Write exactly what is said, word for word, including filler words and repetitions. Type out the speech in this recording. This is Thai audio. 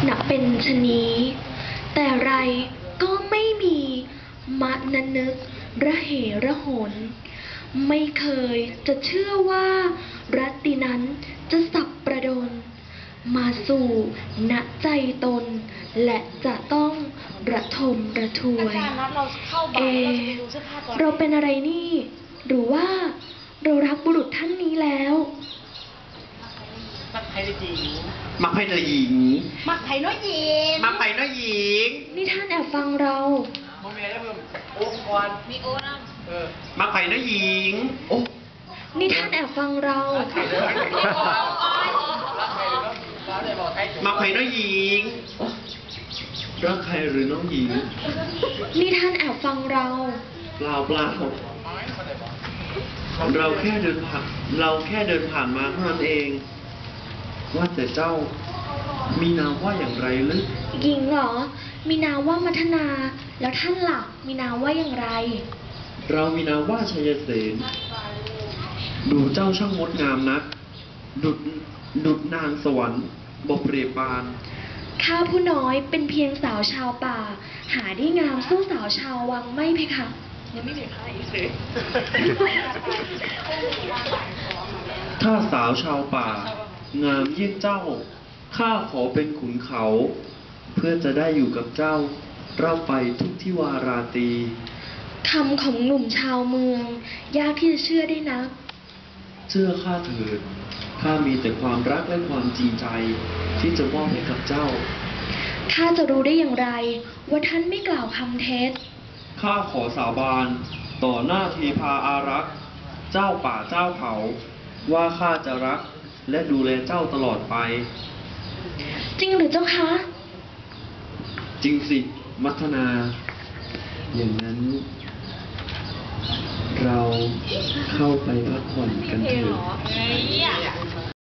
นับเป็นชะนี้แต่ไรก็ไม่มีมะนนึกระเหระหนไม่เคยจะเชื่อว่ารัตตินั้นจะสับประดนมาสู่ณใจตนและจะต้องระทมระทวย เอ เราเป็นอะไรนี่ หรือว่าเรารักบุรุษท่านนี้แล้วมักไผ่หญิงมักไผ่หญิงมักไผ่น้อยหญิงมักไผ่น้อยหญิงนี่ท่านแอบฟังเราโมเมนต์ได้เพิ่มโอ้ก่อนมีโอ้น้ำเออมักไผ่น้อยหญิงโอ้นี่ท่านแอบฟังเรามักไผ่น้อยหญิงโอ้รักใครหรือน้องหญิงนี่ท่านแอบฟังเราเปล่าเปล่าเราแค่เดินผ่านเราแค่เดินผ่านมาเท่านั้นเอง ว่าแต่เจ้ามีนามว่าอย่างไรลึกหญิงเหรอ มีนามว่ามัทนา แล้วท่านล่ะ มีนามว่าอย่างไรเรามีนามว่าชัยเสนดูเจ้าช่างงดงามนัก ดุดดุดนางสวรรค์บเปรียบปานข้าผู้น้อยเป็นเพียงสาวชาวป่า หาได้งามสู้สาวชาววังไม่เพคะยังไม่มีใครสิถ้าสาวชาวป่า งามเยี่ยงเจ้า ข้าขอเป็นขุนเขา เพื่อจะได้อยู่กับเจ้าเราไปทุกที่วาราตรีคำของหนุ่มชาวเมือง ยากที่จะเชื่อได้นักเชื่อข้าเถิด ข้ามีแต่ความรักและความจริงใจ ที่จะมอบให้กับเจ้าข้าจะรู้ได้อย่างไร ว่าท่านไม่กล่าวคำเท็จข้าขอสาบานต่อหน้าเทพาอารักษ์ เจ้าป่าเจ้าเขา ว่าข้าจะรักและดูแลเจ้าตลอดไปจริงหรือเจ้าคะจริงสิ มัทนา อย่างนั้น เราเข้าไปพักผ่อนกันเถอะ